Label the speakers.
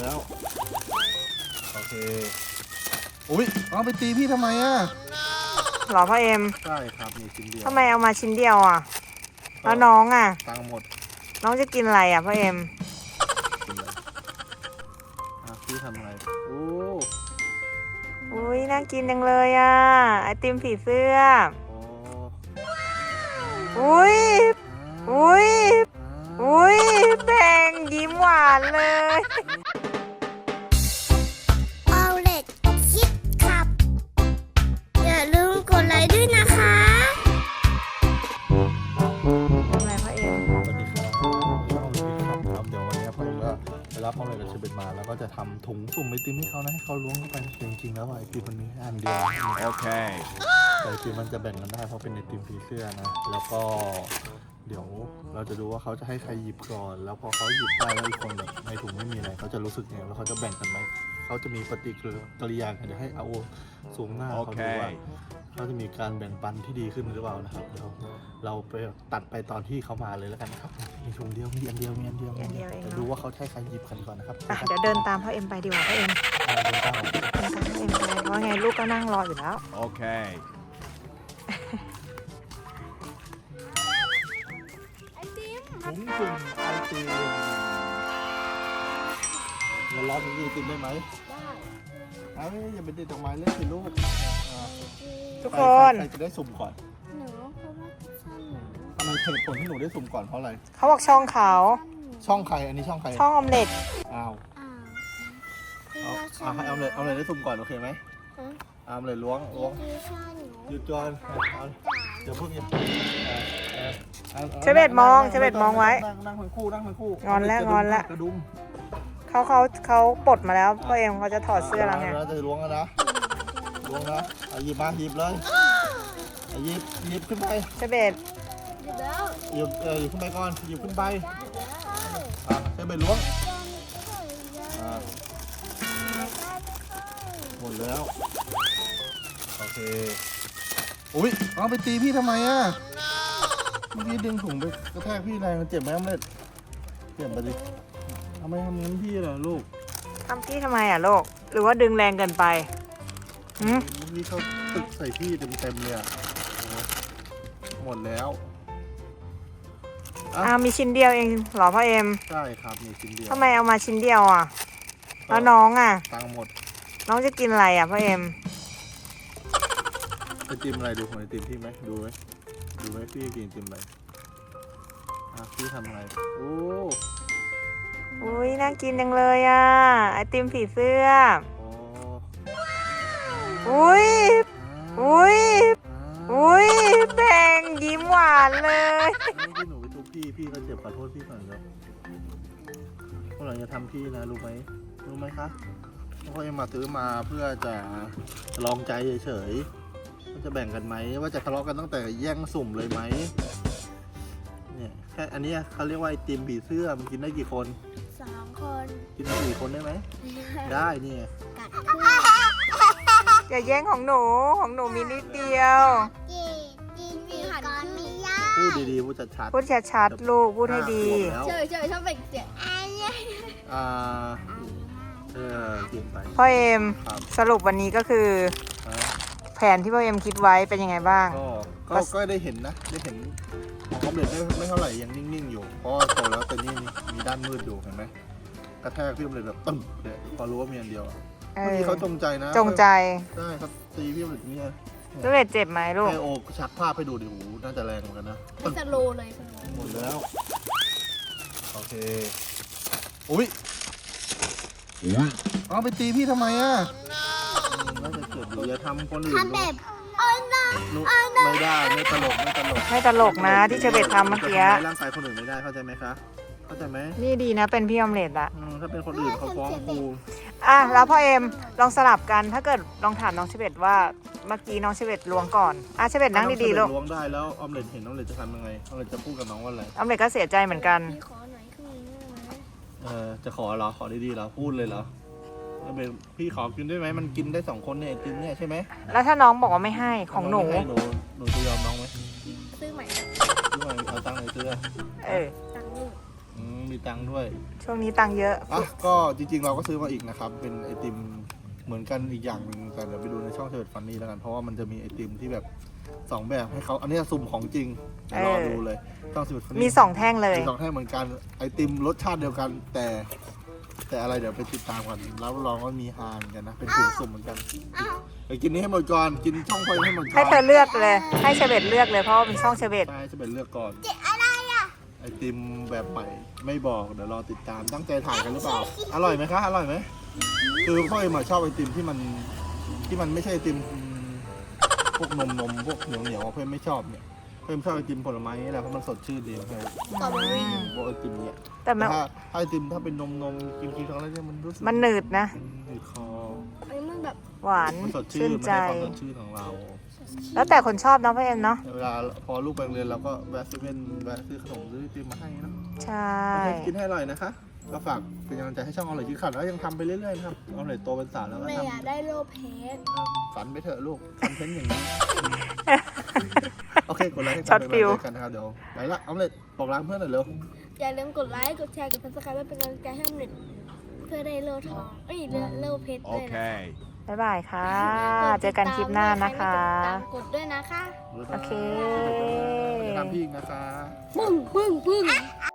Speaker 1: แล้วโอเคอุ้ยเอาไปตีพี่ทำไมอ่ะ
Speaker 2: หรอพ่อเอ็ม
Speaker 1: ใช่ครับมีชิ้นเดียว
Speaker 2: ทำไมเอามาชิ้นเดียวอ่ะแล้วน้องอ่ะ
Speaker 1: ตังค์หมด
Speaker 2: น้องจะกินอะไรอ่ะพ่อเอ็ม
Speaker 1: กินเลยพี่ทำอะไรโอ้
Speaker 2: อุ้ยน่ากินจังเลยอ่ะไอติมผีเสื้อ
Speaker 1: โอ้
Speaker 2: อุ้ยอุ้ยอุ้ยแบ่งยิ้มหวานเลย
Speaker 3: เอาเล็กคิดขับ อย่าลืมกดไลค์ด้วยนะคะ
Speaker 2: ทำอะไรพ่อเอ็ม
Speaker 1: สวัสดีครับช่องลิฟต์ครับเดี๋ยววันนี้พ่อเองก็ไปรับพ่อเลยกับเชเบตมาแล้วก็จะทำถุงสุ่มไอติมให้เขานะให้เขาล้วงเข้าไปจริงๆแล้วไอติมมันมีอันเดียวโอเคแต่ไอติมมันจะแบ่งกันได้เพราะเป็นไอติมผีเสื้อนะแล้วก็เดี๋ยวเราจะดูว่าเขาจะให้ใครหยิบก่อนแล้วพอเขาหยิบได้แล้วอีกคนแบบในถุงไม่มีอะไรเขาจะรู้สึกไงแล้วเขาจะแบ่งกันไหมเขาจะมีปฏิกิริยาเดี๋ยวให้เอาสูงหน้าเขาดูว่าเขาจะมีการแบ่งปันที่ดีขึ้นหรือเปล่านะครับเดี๋ยวเราไปตัดไปตอนที่เขามาเลยแล้วกันนะครับมีถุงเดียวมีอันเดียวเดี๋ยวดูว่าเขาใช้ใครหยิบกันก่อนนะครับ
Speaker 2: อ่ะเดี๋ยวเดินตามพ่อเอ็มไปดีกว่าพ่อเอ็ม
Speaker 1: เดินตามผม
Speaker 2: เดินตามพ่อเอ็มไปเพราะไงลูกก็นั่งรออยู่แล้ว
Speaker 4: โอเค
Speaker 1: ถุงสุ่มไอติมเราล้อมนี้ไอติมได้ไหมได้อย่าไปติดดอกไม้เล่นสิลูก
Speaker 2: ทุกคน
Speaker 1: ใครจะได้สุ่มก่อน
Speaker 3: หนูเพราะว่าชอบหนู
Speaker 1: ทำไมเหตุผลที่หนูได้สุ่มก่อนเพราะอะไร
Speaker 2: เขาบอกช่องเขา
Speaker 1: ช่องใครอันนี้ช่องใคร
Speaker 2: ช่องออมเล็ต
Speaker 1: อ้าว
Speaker 3: อ้าวพี่
Speaker 1: เอา
Speaker 3: ว่าชอบ
Speaker 1: ให้เอาเลยได้สุ่มก่อนโอเคไหม
Speaker 3: ฮะ
Speaker 1: เอาเลยล้วง
Speaker 3: พี่ชอบหนู
Speaker 1: หยุดก่อนเอาเดี๋ยวเพิ่งหยิบ
Speaker 2: เชเบตมองเชเบตมองไว้
Speaker 1: นั่งทั้งคู่
Speaker 2: งอนแล้วงอนแล้ว
Speaker 1: กระดุม
Speaker 2: เขาปลดมาแล้วพ่อเอ็มเขาจะถอดเสื้อแล้วไง
Speaker 1: จะล้วงแล้วนะล้วงนะเอาหยิบมาหยิบเลยเอาหยิบขึ้นไป
Speaker 2: เชเบต
Speaker 3: หยุดแล้ว
Speaker 1: หยิบขึ้นไปก่อนหยิบขึ้นไป
Speaker 3: หยุดแล้ว
Speaker 1: ให้ไปล้วงหมดแล้วโอเคอุ้ยเอาไปตีพี่ทำไมอ่ะเมื่อกี้ดึงถุงไปกระแทกพี่แรงมันเจ็บไหมอมเล็ตเจ็บไปดิทำไมทำงั้นพี่ล่ะลูก
Speaker 2: ทำพี่ทำไมอ่ะลูกหรือว่าดึงแรงเกินไปหืม
Speaker 1: เมื่อกี้เขาตึกใส่พี่เต็มเลยอ่ะหมดแล้ว
Speaker 2: มีชิ้นเดียวเองเหรอพ่อเอ็ม
Speaker 1: ใช่ครับมีชิ้นเดียว
Speaker 2: ทำไมเอามาชิ้นเดียวอ่ะแล้วน้องอ่ะ
Speaker 1: ตังค์หมด
Speaker 2: น้องจะกินอะไรอ่ะพ่อเอ็ม
Speaker 1: ไอติมอะไรดูของไอติมพี่ไหมดูไหมพี่กินไอติมอะไรพี่ทำอะไรโอ้
Speaker 2: อุ้ยน่ากินจังเลยอ่ะไอติมผีเสื้อ
Speaker 1: โอ้
Speaker 2: อุ้ยอุ้ยอุ้ยแบ่งยิ้มหวานเลย
Speaker 1: นี่ที่หนูไปทุบพี่ก็เจ็บขอโทษพี่ก่อนครับพวกเราจะทำพี่นะรู้ไหมคะเพราะเอ็มมาซื้อมาเพื่อจะลองใจเฉยๆว่าจะแบ่งกันไหมว่าจะทะเลาะกันตั้งแต่แย่งสุ่มเลยไหมเนี่ยแค่อันนี้เขาเรียกว่าไอติมผีเสื้อมันกินได้กี่คน
Speaker 3: 2 คน
Speaker 1: กินได้กี่คนได้ไหมได้นี่ไง
Speaker 3: กัดเพื่อน
Speaker 2: อย่าแย่งของหนูมีนิดเดียว
Speaker 3: กินมีหันมียา
Speaker 1: พูดดีๆพูดชัดๆ
Speaker 2: พูดชัดๆลูกพูดให้ดี
Speaker 1: แล้ว
Speaker 3: เฉยชอบเป็นเสียงไอ้เนี่ย
Speaker 1: อ่ากินไป
Speaker 2: พ่อเอ็ม
Speaker 1: ครับ
Speaker 2: สรุปวันนี้ก็คือ
Speaker 1: อ่า
Speaker 2: แผนที่พ่อเอ็มคิดไว้เป็นยังไงบ้าง
Speaker 1: ก็ได้เห็นนะได้เห็นของออมเล็ตไม่เท่าไหร่ยังนิ่งๆอยู่เพราะว่าโตแล้วแต่นี่มีด้านมืดอยู่เห็นไหมกระแทกพี่ออมเล็ตแบบตึ้มเลยพอรู้ว่ามีอันเดียวอะ
Speaker 2: เอ
Speaker 1: เมื่อ
Speaker 2: อ
Speaker 1: กี้เขาจงใจนะ
Speaker 2: จงใจ
Speaker 1: ได้ครับตีพี่ออมเล็ตเนี่ย
Speaker 2: ลูกเล็ดเจ็บไหมลูก
Speaker 1: ไอโอชักภาพให้ดูดิหูน่าจะแรงเหมือนกันนะ
Speaker 3: ไม่สโลเลยสโล
Speaker 1: หมดแล้วโอเคอุ้ยเอาไปตีพี่ทำไมอ่ะน่าจะเกิดอยู่อย่าทำคนอื่น
Speaker 3: ทำแบบอ้อนนะ
Speaker 1: นุไม่ได้ไม่ตลก
Speaker 2: ไม่ตลกนะที่เชเบตทำเมื่อกี้
Speaker 1: จะทำร้ายร่างกายคนอื่นไม่ได้เข้าใจไหมคะเข้าใจไหม
Speaker 2: นี่ดีนะเป็นพี่ออมเล็ตอะ
Speaker 1: ถ้าเป็นคนอื่นเขาฟ้องครู
Speaker 2: อ่ะแล้วพ่อเอ็มลองสลับกันถ้าเกิดลองถามน้องเชเบตว่าเมื่อกี้น้องเชเบตล้วงก่อนอ่ะเชเบตนั่งดีๆลูก
Speaker 1: ล้วงได้แล้วออมเล็ตเห็นออมเล็ตจะทำยังไงออมเล็ตจะพูดกับน้องว่าอะไร
Speaker 2: ออมเล็ตก็เสียใจเหมือนกัน
Speaker 3: พี่ขอหน่อยครึ่งนึงได้ไหม
Speaker 1: จะขอเหรอขอดีๆเหรอพูดเลยเหรอออมเล็ตพี่ขอกินได้ไหมมันกินได้2คนเนี่ยไอติมเนี่ยใช่ไหม
Speaker 2: แล้วถ้าน้องบอกว่าไม่ให้ของหนู
Speaker 1: ไม่ให้หนูจะยอมน้องไหม
Speaker 3: ซื้อใหม่
Speaker 1: ด้วยเอาตังค์ไหนซื้อ
Speaker 2: เออ
Speaker 3: ตังค์ลูก
Speaker 1: หมีตังค์ด้วย
Speaker 2: ช่วงนี้ตังค์เยอะ
Speaker 1: อ่ะก็จริงๆเราก็ซื้อมาอีกนะครับ เป็นไอติมเหมือนกันอีกอย่างหนึ่งแต่เดี๋ยวไปดูในช่องเชิดฟันนี่แล้วกันเพราะว่ามันจะมีไอติมที่แบบ2แบบให้เขาอันนี้สุ่มของจริงเดี๋ยวรอดูเลยช่องเชิดฟันนี่
Speaker 2: มี2แท่งเลย
Speaker 1: มี2แท่งเหมือนกันไอติมรสชาติเดียวกัน แต่อะไรเดี๋ยวไปติดตามกันรับรองว่ามีฮาเหมือนกันนะเป็นถุงสุ่มเหมือนกันไปกินนี้ให้หมดก่อนกินช่องไฟให้หมดก่อน
Speaker 2: ให้เธอเลือกเลย ให้เชเบตเลือกเลยเพราะว่าเป็นช่องเชเบต
Speaker 1: ใช่จะเป็นเลือกก่อน
Speaker 3: อะไรอ่ะ
Speaker 1: ไอติมแบบใหม่ไม่บอกเดี๋ยวรอติดตามตั้งใจถ่ายกันหรือเปล่า อร่อยไหมคะอร่อยไหมคือพ่อเอ็มชอบไอติมที่มันไม่ใช่ไอติมพวกนมพวกเหนียวเพื่อนไม่ชอบเนี่ยเพื่อนชอบไอติมผลไม้นี่แหละเพราะมันสดชื่นดีเพื่อน
Speaker 3: ต่อไปวิ่ง
Speaker 1: พวกไอติมเนี่ย
Speaker 2: แต่มัน
Speaker 1: ถ้าไอติมถ้าเป็นนมกินครั้งแรกเนี่ยมันรู้สึก
Speaker 2: มันหนืดนะ
Speaker 1: หนืดคอ
Speaker 3: อันนี้มันแบบ
Speaker 2: หวาน
Speaker 1: มันสด
Speaker 2: ชื่
Speaker 1: ชื่น
Speaker 2: น
Speaker 1: มัน
Speaker 2: ใจ
Speaker 1: ให้ความสดชื่นของเรา
Speaker 2: แล้วแต่คนชอบเนาะพ่อเอ็มเนาะ
Speaker 1: เวลาพอลูกไปโรงเรียนเราก็แวะเซเว่นแวะซื้อขนมซื้อไอติมมาให้เนาะ
Speaker 2: ใช่
Speaker 1: กินให้อร่อยนะคะ ก็ฝากเป็นกำลังใจให้ช่องอร่อยกินขัดแล้วยังทำไปเรื่อยๆนะครับอร่อยโตเป็นสาวแล้วก็
Speaker 3: ไม่
Speaker 1: ท
Speaker 3: อยากได้โลเพส
Speaker 1: ำฝันไปเถอะลูกคอนเทนต์อย่างนี้ โอเคกดไลค์ให้
Speaker 2: ช็อตฟิว
Speaker 1: กันนะครับเดี๋ยวไปละเอาเลยบอกร้านเพื่อนหน่อยเร็ว
Speaker 3: อย่าลืมกดไลค์กดแชร์กดซับสไครป์เป็นกำลังใจให้หนึ่งเพื่อได้โลทองโลเพชรด้วยนะ
Speaker 2: บ๊ายบายค่ะ เจอกันคลิปหน้านะคะ
Speaker 3: กดด้วยนะคะ
Speaker 2: โอเค
Speaker 1: จะทำพี่อีกนะคะ
Speaker 3: ปึ้งปึ้งปึ้ง